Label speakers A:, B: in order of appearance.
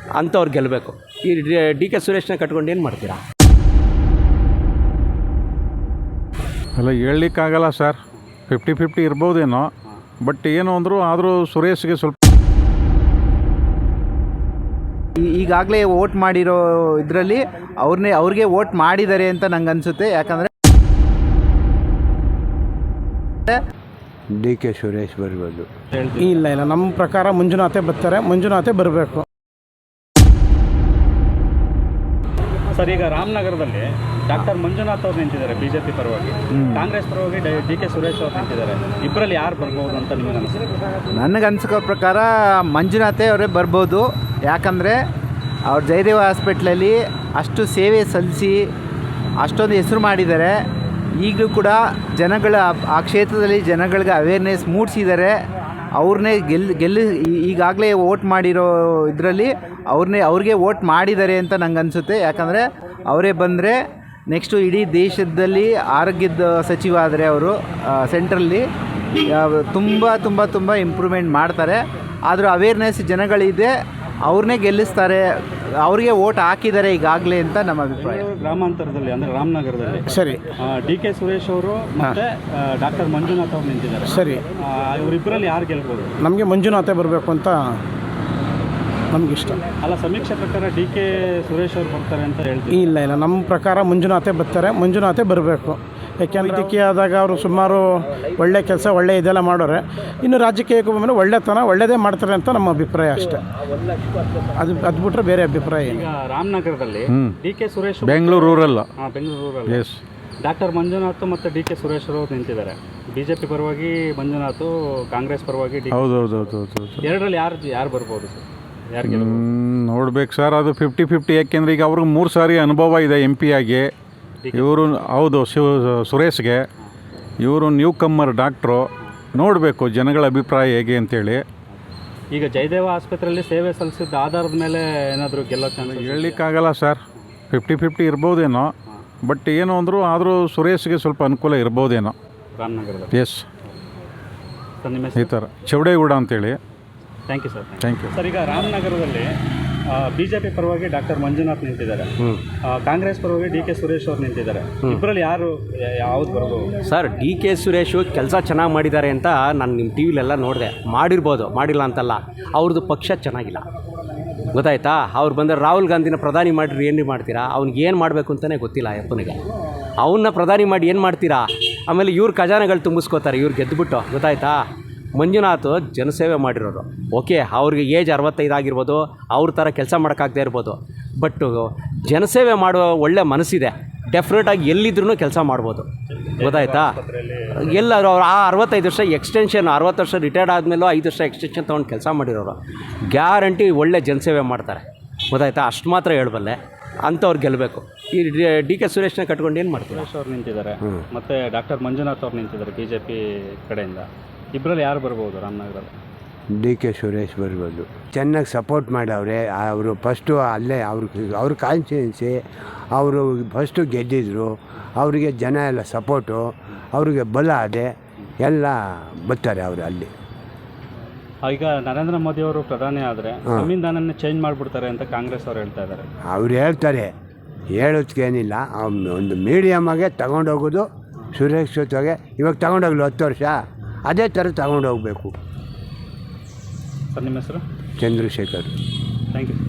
A: ಅಂಥವ್ರು ಗೆಲ್ಲಬೇಕು. ಈ ಡಿ ಕೆ ಸುರೇಶ್ನ ಕಟ್ಕೊಂಡು ಏನು ಮಾಡ್ತೀರಾ?
B: ಅಲ್ಲ, ಹೇಳಲಿಕ್ಕಾಗಲ್ಲ ಸರ್. 50-50 ಇರ್ಬೋದೇನೋ, ಬಟ್ ಏನು ಅಂದರೂ ಆದರೂ ಸುರೇಶ್ಗೆ ಸ್ವಲ್ಪ
C: ಈಗಾಗಲೇ ವೋಟ್ ಮಾಡಿರೋ ಇದರಲ್ಲಿ ಅವ್ರಿಗೆ ವೋಟ್ ಮಾಡಿದ್ದಾರೆ ಅಂತ ನಂಗೆ ಅನಿಸುತ್ತೆ. ಯಾಕಂದರೆ
D: ಡಿ ಕೆ ಸುರೇಶ್ ಬರ್ಬೋದು.
E: ಇಲ್ಲ ನಮ್ಮ ಪ್ರಕಾರ ಮಂಜುನಾಥೇ ಬರ್ತಾರೆ, ಮಂಜುನಾಥೇ ಬರಬೇಕು.
F: ಸರ್, ಈಗ ರಾಮನಗರದಲ್ಲಿ ಡಾಕ್ಟರ್ ಮಂಜುನಾಥ್ ಅವ್ರು ನಿಂತಿದ್ದಾರೆ ಬಿಜೆಪಿ ಪರವಾಗಿ, ಕಾಂಗ್ರೆಸ್ ಪರವಾಗಿ ಡಿ ಕೆ ಸುರೇಶ್ ಅವ್ರು ನಿಂತಿದ್ದಾರೆ. ಇಬ್ಬರಲ್ಲಿ ಯಾರು ಬರ್ಬೋದು ಅಂತ ನಿಮಗೆ ಅನಿಸುತ್ತೆ?
C: ನನಗನ್ಸೋ ಪ್ರಕಾರ ಮಂಜುನಾಥೇ ಅವರೇ ಬರ್ಬೋದು. ಯಾಕಂದರೆ ಅವ್ರು ಜಯದೇವ ಹಾಸ್ಪಿಟ್ಲಲ್ಲಿ ಅಷ್ಟು ಸೇವೆ ಸಲ್ಲಿಸಿ ಅಷ್ಟೊಂದು ಹೆಸರು ಮಾಡಿದ್ದಾರೆ. ಈಗಲೂ ಕೂಡ ಆ ಕ್ಷೇತ್ರದಲ್ಲಿ ಜನಗಳಿಗೆ ಅವೇರ್ನೆಸ್ ಮೂಡಿಸಿದ್ದಾರೆ. ಅವ್ರನ್ನೇ ಈಗಾಗಲೇ ವೋಟ್ ಮಾಡಿರೋ ಇದರಲ್ಲಿ ಅವ್ರಿಗೆ ವೋಟ್ ಮಾಡಿದ್ದಾರೆ ಅಂತ ನಂಗೆ ಅನಿಸುತ್ತೆ. ಯಾಕಂದರೆ ಅವರೇ ಬಂದರೆ ನೆಕ್ಸ್ಟು ಇಡೀ ದೇಶದಲ್ಲಿ ಆರೋಗ್ಯದ ಸಚಿವ ಆದರೆ ಅವರು ಸೆಂಟ್ರಲ್ಲಿ ತುಂಬ ಇಂಪ್ರೂವ್ಮೆಂಟ್ ಮಾಡ್ತಾರೆ. ಆದರೂ ಅವೇರ್ನೆಸ್ ಜನಗಳಿದೆ, ಅವ್ರನ್ನೇ ಗೆಲ್ಲಿಸ್ತಾರೆ, ಅವ್ರಿಗೆ ವೋಟ್ ಹಾಕಿದ್ದಾರೆ ಈಗಾಗಲೇ ಅಂತ ನಮ್ಮ ಅಭಿಪ್ರಾಯ.
F: ಗ್ರಾಮಾಂತರದಲ್ಲಿ ಅಂದರೆ ರಾಮನಗರದಲ್ಲಿ
E: ಸರಿ,
F: ಡಿ ಕೆ ಸುರೇಶ್ ಅವರು ಮತ್ತು ಡಾಕ್ಟರ್ ಮಂಜುನಾಥ್ ಅವ್ರು ನಿಂತಿದ್ದಾರೆ.
E: ಸರಿ,
F: ಇವರಿಬ್ಬರಲ್ಲಿ ಯಾರು ಗೆಲ್ಬೋದು?
E: ನಮಗೆ ಮಂಜುನಾಥೇ ಬರಬೇಕು ಅಂತ ನಮಗಿಷ್ಟ.
F: ಅಲ್ಲ, ಸಮೀಕ್ಷೆ ಪ್ರಕಾರ ಡಿ ಕೆ ಸುರೇಶ್ ಅವ್ರು ಬರ್ತಾರೆ ಅಂತ ಹೇಳ್ತೀವಿ.
E: ಇಲ್ಲ ನಮ್ಮ ಪ್ರಕಾರ ಮಂಜುನಾಥೇ ಬರ್ತಾರೆ, ಮಂಜುನಾಥೇ ಬರಬೇಕು. ಯಾಕೆಂದರೆ ಇದಕ್ಕೆ ಆದಾಗ ಅವರು ಸುಮಾರು ಒಳ್ಳೆ ಕೆಲಸ ಇದೆಲ್ಲ ಮಾಡೋರೆ. ಇನ್ನು ರಾಜಕೀಯಕ್ಕೆ ಬಂದರೆ ಒಳ್ಳೆಯದೇ ಮಾಡ್ತಾರೆ ಅಂತ ನಮ್ಮ ಅಭಿಪ್ರಾಯ ಅಷ್ಟೇ. ಅದು ಬಿಟ್ಟರೆ ಬೇರೆ ಅಭಿಪ್ರಾಯ ಏನು.
F: ಈಗ ರಾಮನಗರದಲ್ಲಿ D K Suresh
B: Bengaluru rural.
F: Yes, doctor Manjunath ಮತ್ತು ಡಿ ಕೆ ಸುರೇಶ್ ಅವರು ನಿಂತಿದ್ದಾರೆ. ಬಿಜೆಪಿ ಪರವಾಗಿ ಮಂಜುನಾಥ್, ಕಾಂಗ್ರೆಸ್ ಪರವಾಗಿ
B: ಹೌದು.
F: ಎರಡರಲ್ಲಿ ಯಾರು ಬರ್ಬೋದು ಸರ್? ಯಾರಿಗೆ
B: ನೋಡ್ಬೇಕು ಸರ್, ಅದು 50-50. ಯಾಕೆಂದರೆ ಈಗ ಅವ್ರಿಗೆ 3 ಸಾರಿ ಅನುಭವ ಇದೆ MP ಆಗಿ. ಇವರು ಹೌದು ಸುರೇಶ್ಗೆ, ಇವರು ನ್ಯೂ ಕಮ್ಮರ್ ಡಾಕ್ಟ್ರು. ನೋಡಬೇಕು ಜನಗಳ ಅಭಿಪ್ರಾಯ ಹೇಗೆ ಅಂತೇಳಿ.
F: ಈಗ ಜಯದೇವ ಆಸ್ಪತ್ರೆಯಲ್ಲಿ ಸೇವೆ ಸಲ್ಲಿಸಿದ ಆಧಾರದ ಮೇಲೆ ಏನಾದರೂ ಗೆಲ್ಲೋ ಚಾನ್ಸ್?
B: ಹೇಳಲಿಕ್ಕಾಗಲ್ಲ ಸರ್. 50-50 ಇರ್ಬೋದೇನೋ, ಬಟ್ ಏನು ಅಂದರೂ ಆದರೂ ಸುರೇಶ್ಗೆ ಸ್ವಲ್ಪ ಅನುಕೂಲ ಇರ್ಬೋದೇನೋ
F: ರಾಮನಗರದ.
B: ಎಸ್,
F: ಸರ್, ನಿಮ್ಮ
B: ಈ ಥರ ಚೌಡೇಗೌಡ ಅಂತೇಳಿ.
F: Thank you sir.
B: Thank you
F: sir, ಈಗ ರಾಮನಗರದಲ್ಲಿ ಬಿಜೆಪಿ ಪರವಾಗಿ ಡಾಕ್ಟರ್ ಮಂಜುನಾಥ್ ನಿಂತಿದ್ದಾರೆ, ಕಾಂಗ್ರೆಸ್ ಪರವಾಗಿ ಡಿ ಕೆ ಸುರೇಶ್ ಅವ್ರು ನಿಂತಿದ್ದಾರೆ. ಇಬ್ಬರಲ್ಲಿ ಯಾವ್ದು ಬರ್ಬೋದು?
A: ಸರ್, ಡಿ ಕೆ ಸುರೇಶು ಕೆಲಸ ಚೆನ್ನಾಗಿ ಮಾಡಿದ್ದಾರೆ ಅಂತ ನಾನು ನಿಮ್ಮ ಟಿ ವಿಲೆಲ್ಲ ನೋಡಿದೆ. ಮಾಡಿರ್ಬೋದು, ಮಾಡಿಲ್ಲ ಅಂತಲ್ಲ. ಅವ್ರದ್ದು ಪಕ್ಷ ಚೆನ್ನಾಗಿಲ್ಲ, ಗೊತ್ತಾಯ್ತಾ? ಅವ್ರು ಬಂದರೆ ರಾಹುಲ್ ಗಾಂಧಿನ ಪ್ರಧಾನಿ ಮಾಡಿರಿ ಏನು ಮಾಡ್ತೀರಾ? ಅವ್ನಿಗೆ ಏನು ಮಾಡಬೇಕು ಅಂತಲೇ ಗೊತ್ತಿಲ್ಲ ಅಪ್ಪನಿಗೆ. ಅವನ್ನ ಪ್ರಧಾನಿ ಮಾಡಿ ಏನು ಮಾಡ್ತೀರಾ? ಆಮೇಲೆ ಇವ್ರ ಖಜಾನೆಗಳು ತುಂಬಿಸ್ಕೋತಾರೆ ಇವ್ರು ಗೆದ್ದುಬಿಟ್ಟು, ಗೊತ್ತಾಯ್ತಾ? ಮಂಜುನಾಥ್ ಜನಸೇವೆ ಮಾಡಿರೋರು. ಓಕೆ, ಅವ್ರಿಗೆ ಏಜ್ 65 ಆಗಿರ್ಬೋದು, ಅವ್ರ ಥರ ಕೆಲಸ ಮಾಡೋಕ್ಕಾಗದೇ ಇರ್ಬೋದು, ಬಟ್ ಜನಸೇವೆ ಮಾಡುವ ಒಳ್ಳೆ ಮನಸ್ಸಿದೆ. ಡೆಫಿನೆಟಾಗಿ ಎಲ್ಲಿದ್ರೂ ಕೆಲಸ ಮಾಡ್ಬೋದು, ಗೊತ್ತಾಯ್ತಾ? ಎಲ್ಲರೂ ಅವ್ರು 65 ವರ್ಷ ಎಕ್ಸ್ಟೆನ್ಷನ್, 60 ವರ್ಷ ರಿಟೈರ್ಡ್ ಆದಮೇಲೂ 5 ವರ್ಷ ಎಕ್ಸ್ಟೆನ್ಷನ್ ತೊಗೊಂಡು ಕೆಲಸ ಮಾಡಿರೋರು. ಗ್ಯಾರಂಟಿ ಒಳ್ಳೆ ಜನಸೇವೆ ಮಾಡ್ತಾರೆ, ಗೊತ್ತಾಯ್ತಾ? ಅಷ್ಟು ಮಾತ್ರ ಹೇಳಬಲ್ಲೆ. ಅಂಥವ್ರು ಗೆಲ್ಲಬೇಕು. ಈ ಡಿ ಕೆ ಸುರೇಶ್ನ ಕಟ್ಕೊಂಡು ಏನು ಮಾಡ್ತಾರೆ?
F: ಸುರೇಶ್ ಅವ್ರು ನಿಂತಿದ್ದಾರೆ ಮತ್ತು ಡಾಕ್ಟರ್ ಮಂಜುನಾಥ್ ಅವ್ರು ನಿಂತಿದ್ದಾರೆ ಬಿಜೆಪಿ ಕಡೆಯಿಂದ. ಇಬ್ಬರಲ್ಲಿ ಯಾರು ಬರ್ಬೋದು ರಾಮನಗರಲ್ಲಿ?
D: ಡಿ ಕೆ ಸುರೇಶ್ ಬರ್ಬೋದು. ಚೆನ್ನಾಗಿ ಸಪೋರ್ಟ್ ಮಾಡವ್ರೆ ಅವರು. ಫಸ್ಟು ಅಲ್ಲೇ ಅವ್ರ ಕಾನ್ಸ್ಟಿಟ್ಯೂನ್ಸಿ, ಅವರು ಫಸ್ಟು ಗೆದ್ದಿದ್ರು. ಅವರಿಗೆ ಜನ ಎಲ್ಲ ಸಪೋರ್ಟು, ಅವ್ರಿಗೆ ಬಲ ಅದೇ ಎಲ್ಲ ಬರ್ತಾರೆ ಅವರು ಅಲ್ಲಿ.
F: ಈಗ ನರೇಂದ್ರ ಮೋದಿ ಅವರು ಪ್ರಧಾನಿ ಆದರೆ ಸಂವಿಧಾನನ ಚೇಂಜ್ ಮಾಡಿಬಿಡ್ತಾರೆ ಅಂತ ಕಾಂಗ್ರೆಸ್ ಅವ್ರು ಹೇಳ್ತಾ ಇದ್ದಾರೆ.
D: ಅವ್ರು ಹೇಳ್ತಾರೆ, ಹೇಳೋದಕ್ಕೇನಿಲ್ಲ. ಒಂದು ಮೀಡಿಯಮ್ಮಾಗೆ ತಗೊಂಡೋಗೋದು ಸುರಕ್ಷಿತವಾಗಿ. ಇವಾಗ ತಗೊಂಡೋಗ್ಲು 10 ವರ್ಷ, ಅದೇ ಥರ ತಗೊಂಡೋಗ್ಬೇಕು.
F: ಸರ್, ನಿಮ್ಮ ಹೆಸರು?
D: ಚಂದ್ರಶೇಖರ್.
F: Thank you.